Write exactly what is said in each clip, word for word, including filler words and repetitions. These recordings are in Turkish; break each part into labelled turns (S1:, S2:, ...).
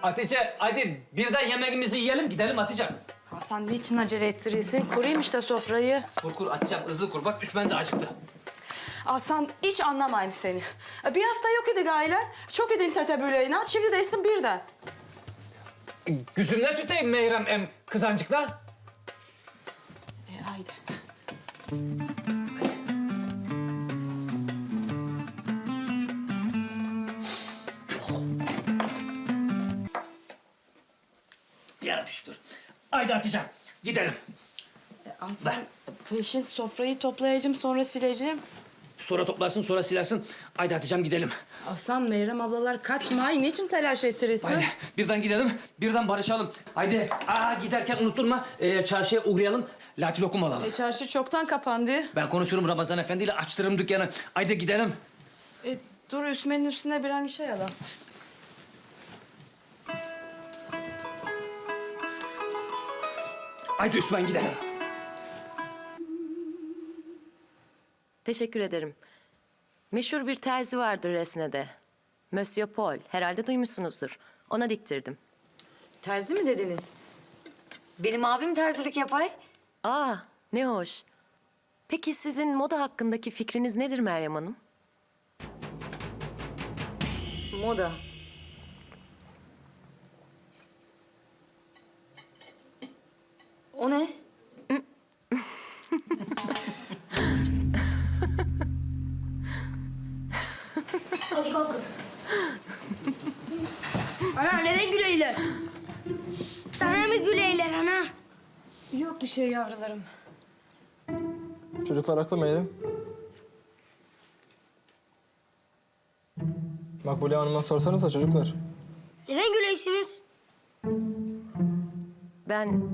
S1: Hatice hadi birden yemeğimizi yiyelim gidelim Hatice.
S2: Hasan niçin acele ettiriyorsun? Kurayım işte sofrayı.
S1: Kur kur Hatice'm hızlı kur bak Üsmen de acıktı.
S2: Hasan hiç anlamayayım seni. Bir hafta yok idi ailen. Çok idin tetebüleğine. Şimdi değilsin birden.
S1: Güzümle tutayım Meyrem em kızancıklar.
S2: E, haydi.
S1: Yarabbi şükür. Haydi Hatice'm gidelim.
S2: E, Hasan peşin sofrayı toplayacağım sonra sileceğim.
S1: Sonra toplarsın sonra silersin. Haydi Hatice'm gidelim.
S2: Hasan Meyrem ablalar kaçma. Ay, niçin telaş ettiriyorsun?
S1: Haydi birden gidelim, birden barışalım. Haydi aa, giderken unutturma ee, çarşıya uğrayalım. Lati lokum alalım.
S2: E, çarşı çoktan kapandı.
S1: Ben konuşurum Ramazan Efendi ile açtırırım dükkanı. Haydi gidelim.
S2: E, dur Üsmen'in üstüne bir an şey alalım.
S1: Haydi Üsmen gidelim.
S3: Teşekkür ederim. Meşhur bir terzi vardır Resne'de. Monsieur Paul. Herhalde duymuşsunuzdur. Ona diktirdim.
S4: Terzi mi dediniz? Benim abim terzilik yapay.
S3: Aa, ne hoş. Peki sizin moda hakkındaki fikriniz nedir Meryem Hanım?
S4: Moda. O ne?
S5: Hadi kalkın. Ana neden güleyler? Sana mı güleyler ana?
S4: Yok bir şey yavrularım.
S6: Çocuklar haklı Meyrem. Makbule Hanım'a sorsanıza çocuklar.
S5: Neden güleysiniz?
S3: Ben...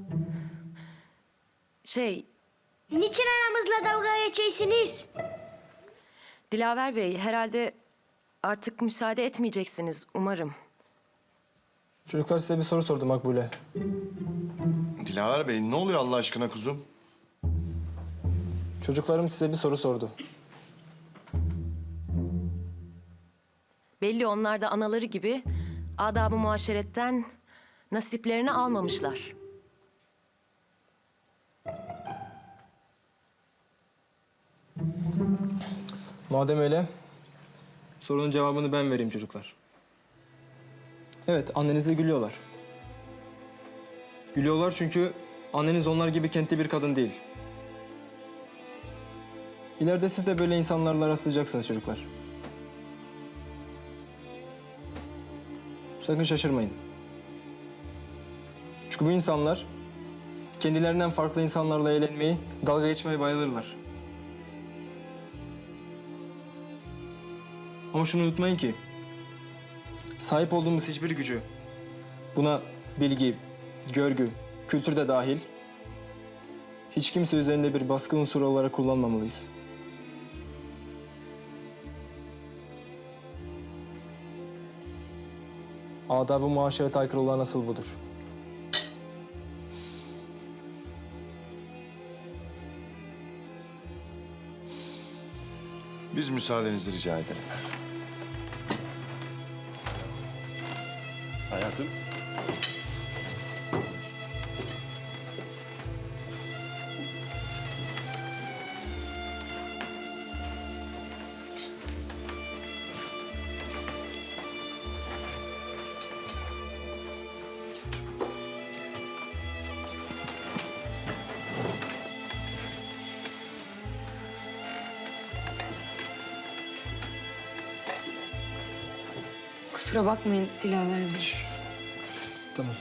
S3: Şey,
S5: Niçin aramızla dalga geçeysiniz?
S3: Dilaver Bey herhalde artık müsaade etmeyeceksiniz umarım.
S6: Çocuklar size bir soru sordu Makbule.
S7: Dilaver Bey ne oluyor Allah aşkına kuzum?
S6: Çocuklarım size bir soru sordu.
S3: Belli onlar da anaları gibi adab-ı muaşeretten nasiplerini almamışlar.
S6: Madem öyle, sorunun cevabını ben vereyim çocuklar. Evet, annenizle gülüyorlar. Gülüyorlar çünkü anneniz onlar gibi kentli bir kadın değil. İleride siz de böyle insanlarla rastlayacaksınız çocuklar. Sakın şaşırmayın. Çünkü bu insanlar kendilerinden farklı insanlarla eğlenmeyi, dalga geçmeye bayılırlar. Ama şunu unutmayın ki sahip olduğumuz hiçbir gücü, buna bilgi, görgü, kültür de dahil, hiç kimse üzerinde bir baskı unsuru olarak kullanmamalıyız. Adab-ı muaşerete aykırı olan asıl budur.
S7: Biz müsaadenizi rica edelim. Hayatım.
S4: Kusura bakmayın Dilaver Bey.
S6: Tamam.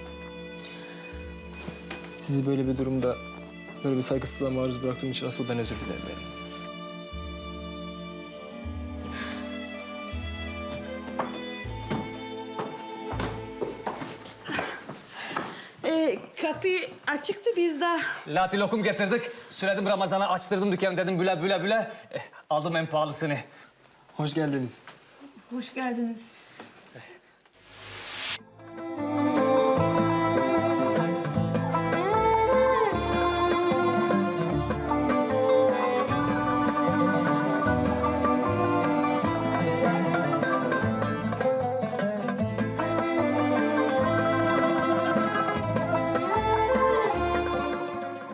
S6: Sizi böyle bir durumda, böyle bir saygısızlığa maruz bıraktığım için asıl ben özür dilerim benim.
S2: E, kapı açıktı biz de.
S1: Lati lokum getirdik. Süredim Ramazan'a açtırdım dükkanı dedim büle büle büle. Eh, aldım en pahalısını.
S6: Hoş geldiniz.
S4: Hoş geldiniz.